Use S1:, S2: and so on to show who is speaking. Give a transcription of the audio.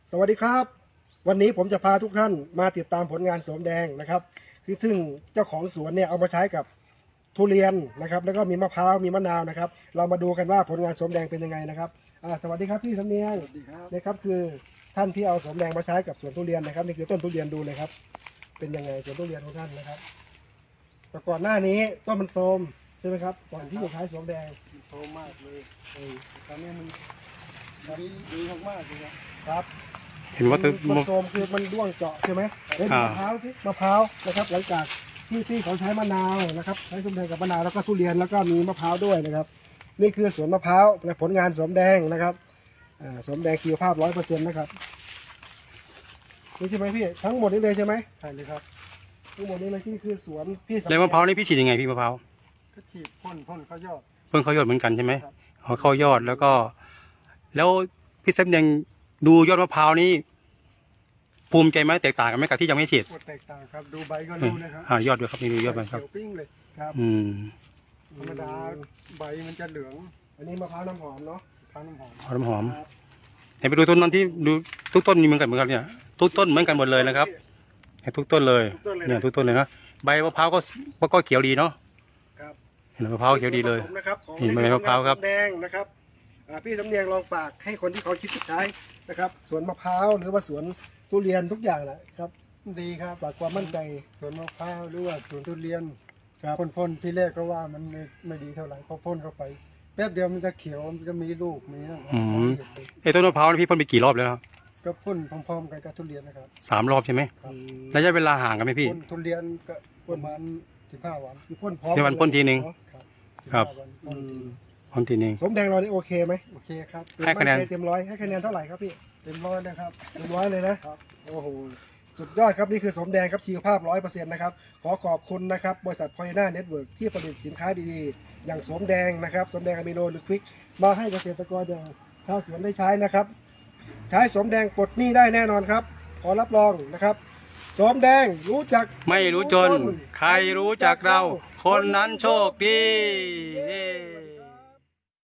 S1: สวัสดีครับวันนี้ผมจะพาทุกท่านมาติดตามผลงานโสมแดงนะครับซึ่งเจ้าของสวนเนี่ยเอามาใช้กับทุเรียนนะครับแล้วก็มีมะพร้าวมีมะนาวนะครับเรามาดูกันว่าผลงานโสมแดงเป็นยังไงนะครับสวัสดีครับพี่สำเนียง
S2: สวัสดีครับ
S1: นะครับคือท่านที่เอาโสมแดงมาใช้กับสวนทุเรียนนะครับนี่คือต้นทุเรียนดูเลยครับเป็นยังไงสวนทุเรียนของท่านนะครับแต่ก่อนหน้านี้ต้นมันโทรมใช่ไหมครับก่อนที่จะใช้โสมแดง
S2: โทรมากเลยตอนนี้มันดีมากๆเลยนะครับ
S3: เห็นว่า
S1: มันโทรมคือมันร่วงเจาะใช่ไหมเห็นมะพร้าวที่มะพร้าวนะครับหลังจากที่เขาใช้มะนาวนะครับใช้โสมแดงกับมะนาวแล้วก็ทุเรียนแล้วก็มีมะพร้าวด้วยนะครับนี่คือสวนมะพร้าวและผลงานโสมแดงนะครับโสมแดงชีวภาพ100%นะครับนี่ใช่ไหมพี่ทั้งหมดนี้เลยใช่ไหม
S2: ใช่เลยครับ
S1: ทั้งหมดนี้เลยที่คือสวนพี่สำ
S3: แล้วมะพร้าวนี่พี่ฉีดยังไงพี่มะพร้าว
S2: ก็ฉีดพ่นเขายอด
S3: เพิ่งเขายอดเหมือนกันใช่ไหม
S2: ครับ
S3: อ๋อเข้ายอดแล้วก็ แล้วพี่แซมยังดูยอดมะพร้าวนี่ภูมิใจไหมแตกต่างกันไหมกับที่ยังไม่ฉีด
S2: ปวดแตกต่างครับดูใบก็รู้นะครับ
S3: ยอดด้วยครับนี่ดูยอดมันครับ
S2: เขียวปิ้งเลย
S1: ครับ
S3: อืม
S2: ธรรมดาใบมันจะเหลือง
S1: อันนี้มะพร้าวน้ำหอมเนาะ
S2: ทานน้ำหอม
S3: หอมหอม
S1: ครับ
S3: เห็นไปดูต้นนั้นที่ดูทุกต้นมีเหมือนกันเหมือนกันเนี่ยทุกต้นเหมือนกันหมดเลยนะครับเห็นทุกต้นเลยเนี่ยทุกต้นเลยนะใบมะพร้าวก็เขียวดีเนาะ
S1: ครับ
S3: เห็นมะพร้าวเขียวดีเลย
S1: ส่วนผสมนะครับของ
S3: เห็นใบมะพร้าวครับ
S1: แดงนะครับพี่สำเนียงลองฝากให้คนที่เขาคิดจะใช้นะครับสวนมะพร้าวหรือว่าสวนทุเรียนทุกอย่างนะครับ
S2: ดีครับ
S1: ฝากความมั่นใจ
S2: สวนมะพร้าวหรือว่าสวนทุเรียน
S1: ครับ
S2: พ่นที่แรกก็ว่ามันไม่ดีเท่าไหร่พอพ่นเข้าไปแป๊บเดียวมันจะเขียวมันจะมีลูกมีนะ
S3: อืม ไอ้ต้นมะพร้าวนี่พี่พ่นไปกี่รอบแล้วครับ
S2: ก็พ่นพร้อมๆกันกับทุเรียนนะครับ
S3: 3 รอบใช่ไหมระยะเวลาห่างกันไหมพี่
S2: พ่นทุเรียนก็ประมาณ15 วัน
S1: คือพ่นพร้อม
S3: เดี๋ยววันพ่นทีนึง
S2: ครับ
S3: ครับ
S2: 15วัน
S1: อื
S2: พ่นที
S1: ม
S3: พ่นทีนึง
S1: สมแดงเรานี่โอเคไหม
S2: โอเคครับ
S3: ให้คะแนน
S1: เต็มร้อยให้คะแนนเท่าไหร่ครับพี่
S2: เต็มร้อยเลยครับ
S1: เต็มร้อยเลยนะครับ โอ้โหสุดยอดครับนี่คือสมแดงครับชีวภาพ100%นะครับขอขอบคุณนะครับบริษัทพอยน่าเน็ตเวิร์กที่ผลิตสินค้าดีๆอย่างสมแดงนะครับสมแดงอะมิโนหรือควิกมาให้เกษตรกรอย่างชาวสวนได้ใช้นะครับ ใช้สมแดงปลดหนี้ได้แน่นอนครับ ขอรับรองนะครับสมแดงรู้จัก
S3: ไม่รู้จน ใครรู้จักเรา คนนั้นโชคดี